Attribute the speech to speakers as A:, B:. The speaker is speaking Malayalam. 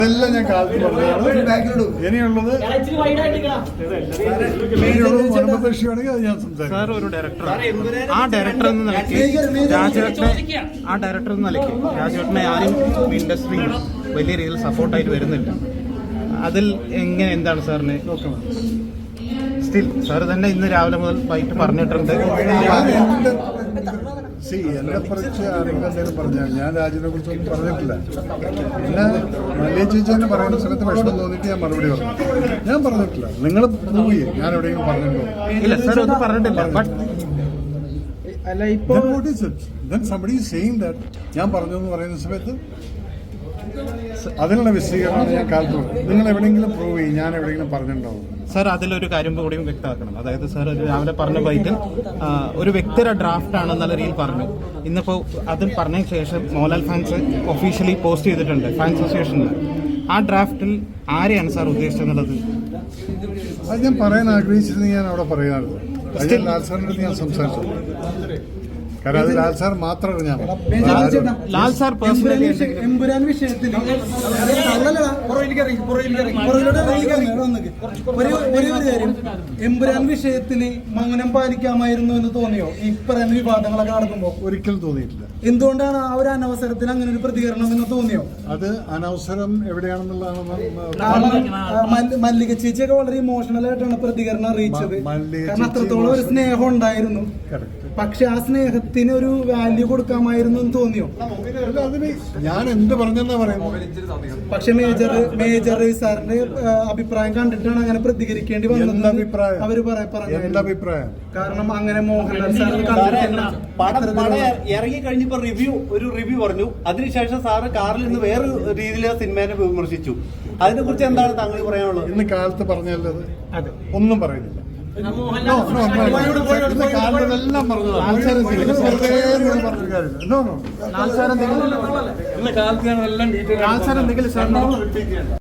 A: അതെല്ലാം ഞാൻ കാലത്ത് പറഞ്ഞതാണ്. ഇനിയുള്ളത് മനോപക്ഷിയാണെങ്കിൽ അത് ഞാൻ സംസാരിക്കും.
B: സാർ ഒരു ഡയറക്ടറാണ്. ആ ഡയറക്ടർ എന്ന നിലയ്ക്ക് രാജേട്ടനെ ആരും ഇൻഡസ്ട്രിയിൽ വലിയ രീതിയിൽ സപ്പോർട്ടായിട്ട് വരുന്നില്ല. അതിൽ എങ്ങനെ എന്താണ് സാറിന് സ്റ്റിൽ സാർ തന്നെ ഇന്ന് രാവിലെ മുതൽ വൈകിട്ട് പറഞ്ഞിട്ടുണ്ട്.
A: എന്നെ കുറിച്ച് ആരെങ്കിലും എന്തെങ്കിലും പറഞ്ഞാൽ ഞാൻ രാജിനെ കുറിച്ചൊന്നും പറഞ്ഞിട്ടില്ല. പിന്നെ മല്ലിയ ചേച്ചി തന്നെ പറയുന്ന സമയത്ത് വിഷമം തോന്നിയിട്ട് ഞാൻ മറുപടി പറഞ്ഞു. ഞാൻ പറഞ്ഞിട്ടില്ല. നിങ്ങൾ പോയി ഞാൻ എവിടെയെങ്കിലും പറഞ്ഞിട്ടുണ്ടോ?
B: ഇല്ല സാർ ഒന്നും പറഞ്ഞിട്ടില്ല.
A: ഞാൻ പറഞ്ഞു എന്ന് പറയുന്ന സമയത്ത് അതിനുള്ള വിശദീകരണമാണ് ഞാൻ കാലത്ത് പറഞ്ഞു. നിങ്ങൾ എവിടെയെങ്കിലും പ്രൂവ് ചെയ്യും ഞാൻ എവിടെയെങ്കിലും പറഞ്ഞിട്ടുണ്ടാവും.
B: സാർ അതിലൊരു കാര്യം കൂടിയും വ്യക്തമാക്കണം. അതായത് സാർ രാവിലെ പറഞ്ഞ ബൈറ്റിൽ ഒരു വ്യക്തിയുടെ ഡ്രാഫ്റ്റ് ആണെന്നുള്ള രീതിയിൽ പറഞ്ഞു. ഇന്നിപ്പോൾ അത് പറഞ്ഞതിന് ശേഷം മോഹൻലാൽ ഫാൻസ് ഒഫീഷ്യലി പോസ്റ്റ് ചെയ്തിട്ടുണ്ട് ഫാൻസ് അസോസിയേഷനിൽ. ആ ഡ്രാഫ്റ്റിൽ ആരെയാണ് സാർ ഉദ്ദേശിച്ചെന്നുള്ളത്
A: അത് ഞാൻ പറയാൻ ആഗ്രഹിച്ചിരുന്നു. ഞാൻ അവിടെ പറയാറുണ്ട്. അത് ലാൽ സാറിൻ്റെ ഞാൻ സംസാരിച്ചു. കാരണം അത് ലാൽ സാർ മാത്രമാണ്. ഞാൻ
B: ലാൽ സാർ പേഴ്സണലി
C: എമ്പുരാൻ വിഷയത്തിൽ എമ്പുരാൻ വിഷയത്തിന് മൗനം പാലിക്കാമായിരുന്നു എന്ന് തോന്നിയോ ഈ പറയുന്ന വിവാദങ്ങളൊക്കെ നടക്കുമ്പോൾ?
A: ഒരിക്കലും തോന്നിയിട്ടില്ല.
C: എന്തുകൊണ്ടാണ് ആ ഒരു അനവസരത്തിൽ അങ്ങനെ ഒരു പ്രതികരണം എന്ന് തോന്നിയോ?
A: അത് അനവസരം എവിടെയാണെന്നുള്ളതാണ്.
C: മല്ലിക ചേച്ചിയൊക്കെ വളരെ ഇമോഷണൽ ആയിട്ടാണ് പ്രതികരണം അറിയിച്ചത്. കാരണം അത്രത്തോളം ഒരു സ്നേഹം ഉണ്ടായിരുന്നു. പക്ഷെ ആ സ്നേഹത്തിന് ഒരു വാല്യൂ കൊടുക്കാമായിരുന്നു എന്ന് തോന്നിയോ?
A: അതിന് ഞാൻ എന്ത് പറഞ്ഞെന്നാ പറയുന്നത്.
C: പക്ഷെ മേജർ സാറിന്റെ അഭിപ്രായം കണ്ടിട്ടാണ് അങ്ങനെ പ്രതികരിക്കേണ്ടി വന്നത്. അവര്
A: അഭിപ്രായം
C: കാരണം അങ്ങനെ മോഹൻലാൽ സാറിന്
D: ഇറങ്ങി കഴിഞ്ഞപ്പോ റിവ്യൂ പറഞ്ഞു. അതിനുശേഷം സാറ് കാറിൽ നിന്ന് വേറെ രീതിയിൽ സിനിമയെ വിമർശിച്ചു. അതിനെ കുറിച്ച് എന്താണ് താങ്കൾ പറയാനുള്ളത്?
A: ഇന്ന് കാലത്ത് പറഞ്ഞല്ലത് ഒന്നും പറയുന്നില്ല. കാലത്തെല്ലാം പറഞ്ഞതാണ്.